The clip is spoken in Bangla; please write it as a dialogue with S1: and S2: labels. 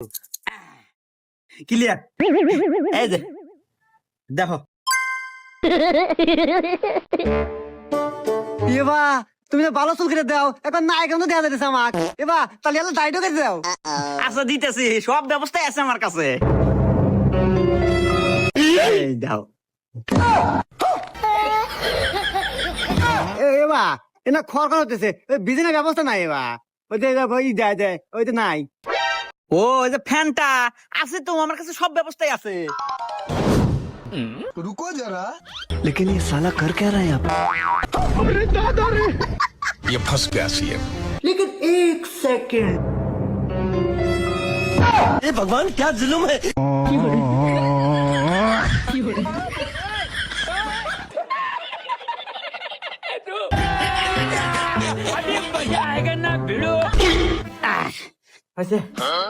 S1: ক্লিয়ার। এই যে দেখো
S2: এবা তুমি তো ভালো চুল কেটে দাও, এখন না এখন তো দেওয়া যাইতেছে আমাক। এবা তাহলে এলো দাড়িটাও কেটে দাও।
S1: আচ্ছা দিতেছি, সব ব্যবস্থাই আছে আমার কাছে। এই দাও।
S2: এবা এনা খড় খড় হতেছে, বিজনেস ব্যবস্থা নাই। এবা ওই যে ওই যায় যায় ওই তো নাই।
S1: ও ওই যে ফ্যানটা আছে তো আমার কাছে, সব ব্যবস্থাই আছে।
S3: रुको जरा।
S2: लेकिन ये साला कर क्या रहा है यहाँ पे?
S3: ये फंस गया सीएम।
S1: लेकिन एक सेकंड,
S2: ए भगवान क्या जुल्म है।
S1: अभी मजा आएगा ना भिड़ो।